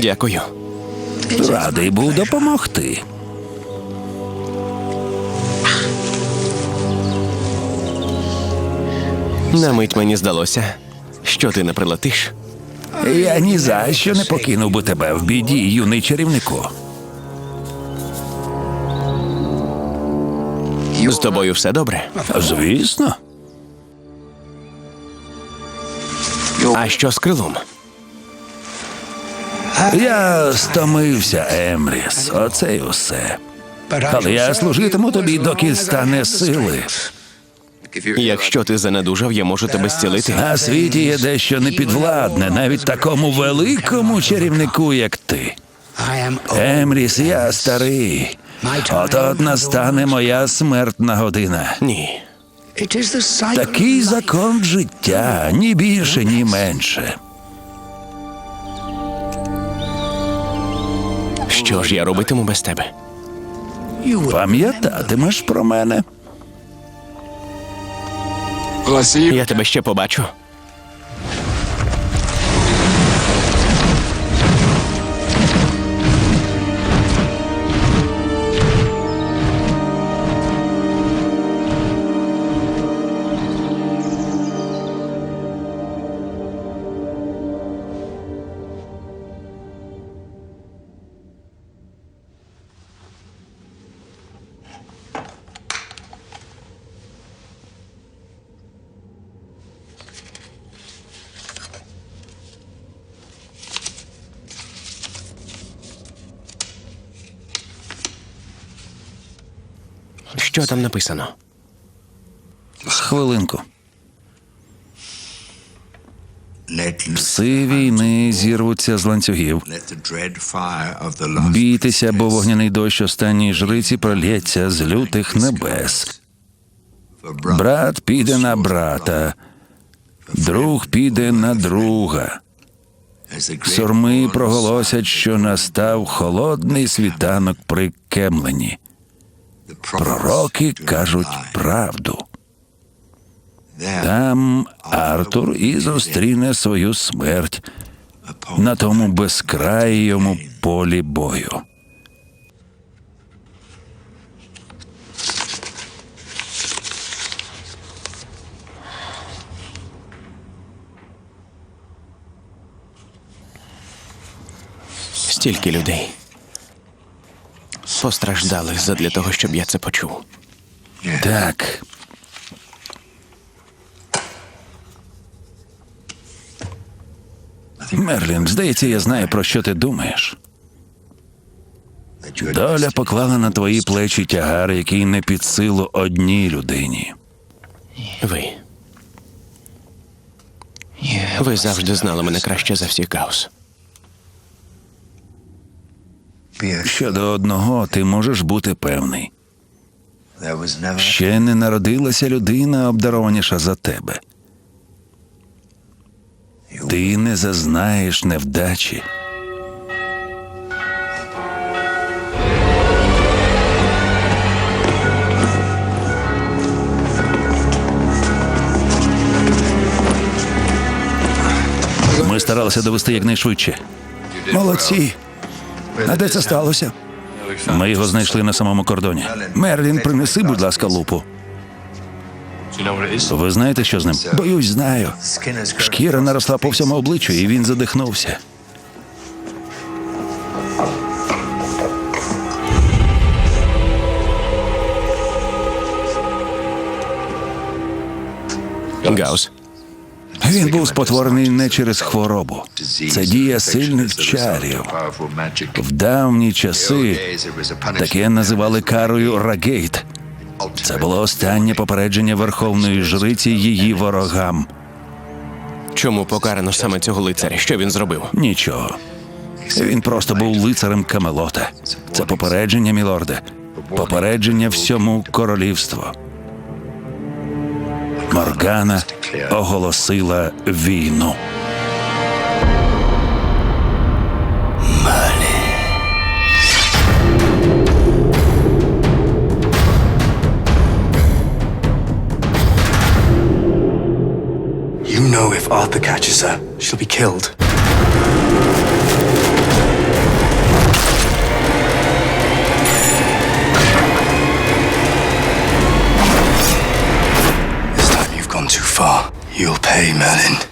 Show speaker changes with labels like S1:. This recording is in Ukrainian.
S1: Дякую.
S2: Радий був допомогти.
S1: На мить мені здалося, що ти не прилетиш.
S2: Я ні за що не покинув би тебе в біді, юний чарівнику.
S1: З тобою все добре?
S2: Звісно.
S1: А що з крилом?
S2: Я стомився, Емріс. Оце й усе. Але я служитиму тобі, доки стане сили.
S1: Якщо ти занедужав, я можу тебе зцілити.
S2: На світі є дещо непідвладне, навіть такому великому чарівнику, як ти. Емріс, я старий. От настане моя смертна година.
S1: Ні.
S2: Такий закон життя, ні більше, ні менше.
S1: Що ж я робитиму без тебе?
S2: Пам'ятатимеш про мене.
S1: Я тебе ще побачу. Що там написано?
S2: Хвилинку. Пси війни зірвуться з ланцюгів. Бійтеся, бо вогняний дощ останньої жриці прольється з лютих небес. Брат піде на брата, друг піде на друга. Сурми проголосять, що настав холодний світанок при Кемлені. Пророки кажуть правду. Там Артур і зустріне свою смерть на тому безкрайому полі бою.
S1: Стільки людей постраждали задля того, щоб я це почув.
S2: Так. Мерлін, здається, я знаю, про що ти думаєш. Доля поклала на твої плечі тягар, який не під силу одній людині.
S1: Ви завжди знали мене краще за всіх, Гаус.
S2: Щодо одного ти можеш бути певний. Ще не народилася людина, обдарованіша за тебе. Ти не зазнаєш невдачі. Ми старалися довести якнайшвидше. Молодці. А де це сталося? Ми його знайшли на самому кордоні. Мерлін, принеси, будь ласка, лупу. Ви знаєте, що з ним? Боюсь, знаю. Шкіра наросла по всьому обличчю, і він задихнувся.
S1: Гаус.
S2: Він був спотворений не через хворобу. Це дія сильних чарів. В давні часи таке називали карою Рагейт. Це було останнє попередження верховної жриці її ворогам.
S1: Чому покарано саме цього лицаря? Що він зробив?
S2: Нічого. Він просто був лицарем Камелота. Це попередження, мілорде. Попередження всьому королівству. Моргана оголосила війну.
S3: You know if Arthur catches her, she'll be killed. Merlin.